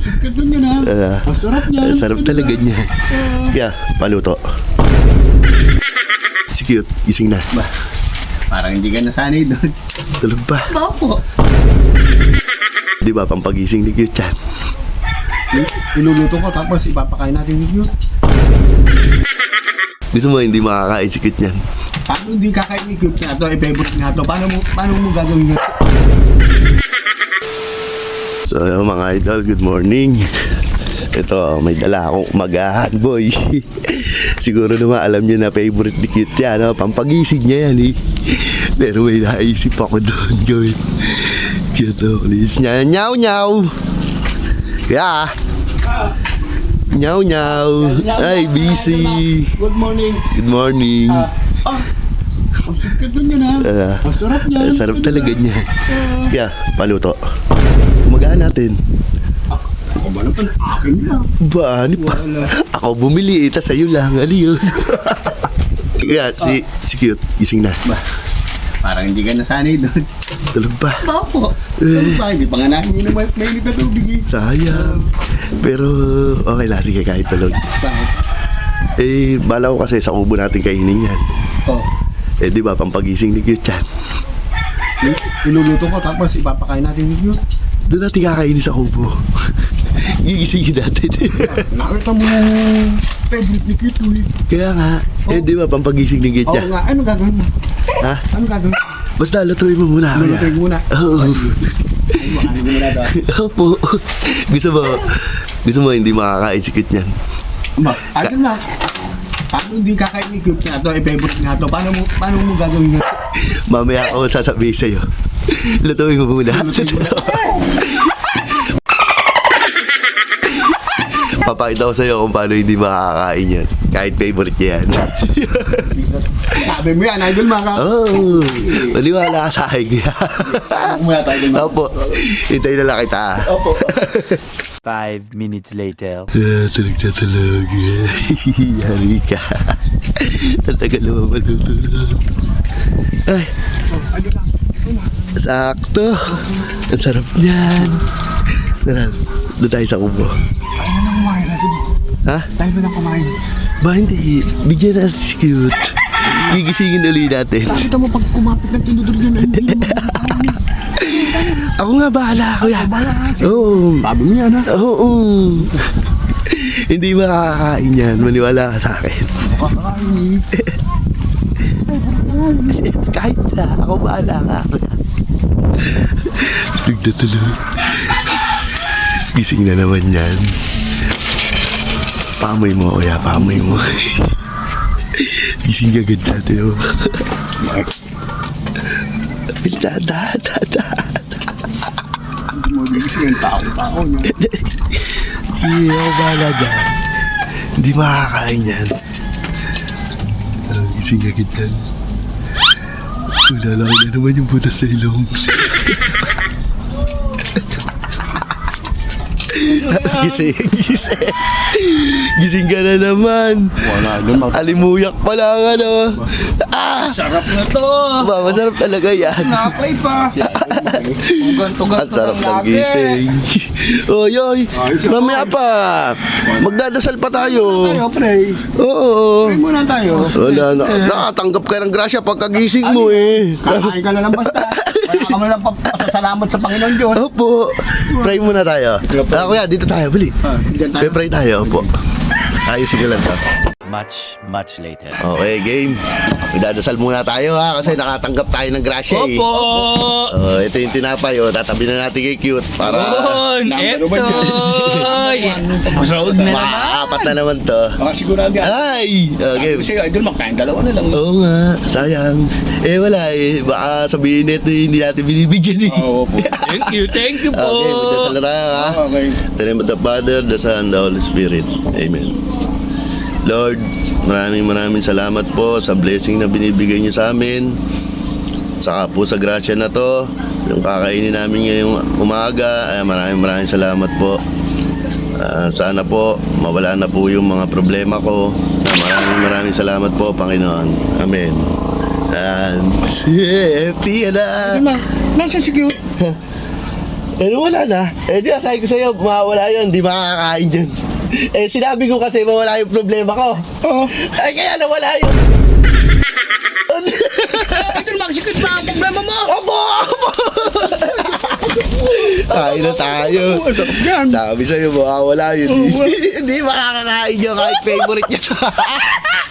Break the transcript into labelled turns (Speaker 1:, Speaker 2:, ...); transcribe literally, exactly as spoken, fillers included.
Speaker 1: Sikat nun yun ha.
Speaker 2: Ah,
Speaker 1: Masarap niya.
Speaker 2: Sarap talaga niya. Kaya, paluto. Si Cute, gising na.
Speaker 1: Ba, parang hindi ka nasanay doon.
Speaker 2: Tulog pa.
Speaker 1: Opo.
Speaker 2: Di ba, pampagising ni Cute yan.
Speaker 1: Iluluto ko tapos ipapakain natin ni Cute.
Speaker 2: Gusto mo hindi makakain si Cute yan?
Speaker 1: Paano hindi kakain ni Cute nga to? I-favorite nga to. Paano mo, paano mo gagawin yun?
Speaker 2: So, mga idol, good morning. Ito, may dala akong umagahan, boy. Siguro naman alam niyo na favorite ni Cute yan, no? Pampagising niya yan, eh. Pero may naisip ako doon gawin. Cute, oh, please niya. Nyaw, nyaw. Yeah. Nyaw, nyaw. Ay, busy.
Speaker 1: Good morning.
Speaker 2: Good morning.
Speaker 1: Ah, ah. Ang sikat nun yun ha.
Speaker 2: Ah,
Speaker 1: Masarap niya.
Speaker 2: Sarap talaga niya. Kaya, paluto. Umagahan natin.
Speaker 1: Ako ba naman? Akin na.
Speaker 2: Ba, ano pa?
Speaker 1: Wala.
Speaker 2: Ako bumili, ita sa'yo lang. Ano yun? Kaya, si, si Cute, gising na.
Speaker 1: Ba, parang hindi ka nasanay doon.
Speaker 2: Tulog pa.
Speaker 1: Opo. Ano ba? Hindi pa nga namin yun naman mainit na tubig eh.
Speaker 2: Sayang. Pero, okay lang. Sige, kahit tulog.
Speaker 1: Bakit?
Speaker 2: Eh, bala ko kasi sa kubo natin kainin yan.
Speaker 1: Oh.
Speaker 2: Eh, di ba, pampagising ni Cute yan.
Speaker 1: Iluluto ko tapos ipapakain natin ni Cute.
Speaker 2: Doon natin kakainin sa kubo. Gigisingin natin.
Speaker 1: Nakita mo yung favorite ni Cute eh.
Speaker 2: Kaya nga, eh, di ba, pampagising ni Cute
Speaker 1: Oo
Speaker 2: yan.
Speaker 1: nga, ano gagawin mo?
Speaker 2: Ha?
Speaker 1: Ano gagawin mo?
Speaker 2: Basta lutuin mo muna.
Speaker 1: Ano
Speaker 2: kaya.
Speaker 1: gagawin muna?
Speaker 2: Oo.
Speaker 1: Ano ano mo muna daw?
Speaker 2: Opo. Gusto mo, gusto mo hindi makakain si Cute yan.
Speaker 1: Ba, ano nga? Paano hindi kakain ni Cute nga to? I-favorite nga to. Paano mo, paano mo gagawin yun?
Speaker 2: Mamaya ako sasabihin sa'yo. Lutuin mo muna. Papakita ko sa'yo kung paano hindi makakain yan. Kahit favorite niya yan.
Speaker 1: Sabi mo yan, idol mga ka.
Speaker 2: Oh, maniwala ka sa akin.
Speaker 1: Ano muna tayo, idol mga
Speaker 2: Opo, hintayin na lang kita.
Speaker 1: Opo.
Speaker 3: Five minutes later.
Speaker 2: Tulog na tulog. Yari ka. Tatagal naman malutulog. Ay,
Speaker 1: Oh, idol lang.
Speaker 2: sakto. Ang sarap niyan. Sarap. Doon tayo sa kubo.
Speaker 1: Tayo na lang kumain, idol.
Speaker 2: Ha?
Speaker 1: Tayo na lang kumain.
Speaker 2: Ba hindi? Bigyan natin si Cute. Gigisingin ulit natin.
Speaker 1: Nakita mo pag kumapit ng tinudog yun, hindi mo
Speaker 2: Ako nga bahala, kuya.
Speaker 1: bahala ka.
Speaker 2: Oo.
Speaker 1: Sabi mo yan ha.
Speaker 2: Oo. Hindi makakain yan. Maniwala ka sa akin.
Speaker 1: Makakain eh.
Speaker 2: Kahit na. Ako bahala ka, kuya. Tulog na tulog. Gising na naman yan. Pamoy mo, kuya. Pamoy mo. Gising agad natin, oh. Da, da, da, da.
Speaker 1: Hindi mo gigising yung tao-tao niya.
Speaker 2: Hindi ako bahala dyan. Hindi makakain yan. Uh, gising agad yan. Wala na naman yung butas sa ilong. Gising, gising. Gising ka na naman.
Speaker 1: Wala, doon mag-
Speaker 2: Alimuyak pa lang, ano. Ah!
Speaker 4: Sarap na to!
Speaker 2: Ba, masarap talaga yan.
Speaker 4: Napay pa! Kung
Speaker 2: Ang
Speaker 4: ganto-ganto
Speaker 2: sarap
Speaker 4: lang
Speaker 2: ng
Speaker 4: lagi.
Speaker 2: gising. Oy, oy. Mamaya pa. Magdadasal pa tayo.
Speaker 1: Tayo, pre.
Speaker 2: Oo.
Speaker 1: Pray muna tayo.
Speaker 2: Wala na. Nakatanggap ka ng grasya pagkagising mo eh.
Speaker 1: Kakain ka na lang basta. Wala ka man lang pasasalamat sa Panginoon Diyos.
Speaker 2: Opo. Pray muna tayo. Ah, kuya, dito tayo. Bali.
Speaker 1: Ah, Diyan tayo.
Speaker 2: Pray tayo. Opo. Ayusin ko lang to.
Speaker 3: Much, much later.
Speaker 2: Okay, game. Magdadasal muna tayo ha kasi nakatanggap tayo ng grasya eh.
Speaker 4: Opo!
Speaker 2: Oh, ito yung tinapay. Oh, tatabi na natin kay Cute para
Speaker 4: Yun!
Speaker 1: Number one
Speaker 4: Etoy! Masood na naman!
Speaker 2: makaapat na naman to.
Speaker 1: Baka sigurado yan.
Speaker 2: Ay! Okay.
Speaker 1: Kasi idol, magkain dalawa na lang.
Speaker 2: Oo nga, sayang. Eh wala eh, baka sabihin nito hindi natin binibigyan eh.
Speaker 1: Oo po.
Speaker 4: Thank you, thank you po!
Speaker 2: Okay, magdasal na tayo ha.
Speaker 1: Okay.
Speaker 2: In the name of the Father, the Son, the Holy Spirit. Amen. Lord, maraming maraming salamat po sa blessing na binibigay niyo sa amin. Saka po sa grasya na to, yung kakainin namin ngayong umaga, ay maraming maraming salamat po. Ah, sana po mawala na po yung mga problema ko. Ah, maraming maraming salamat po, Panginoon. Amen. And F T na.
Speaker 1: Idol na, nasa si Cute.
Speaker 2: Eh, wala na. Eh, di sabi ko sa'yo, mawawala yun, di makakakain dyan. Eh, sinabi ko kasi mawala yung problema ko.
Speaker 1: Oo.
Speaker 2: Eh, kaya nawala yun.
Speaker 1: Ito maksikit pa ang problema mo.
Speaker 2: Opo! Opo! Kain na tayo.
Speaker 1: Ang sarap yan.
Speaker 2: Sabi sa'yo, mawawala yun. Hindi makakakain nyo kahit favorite nyo.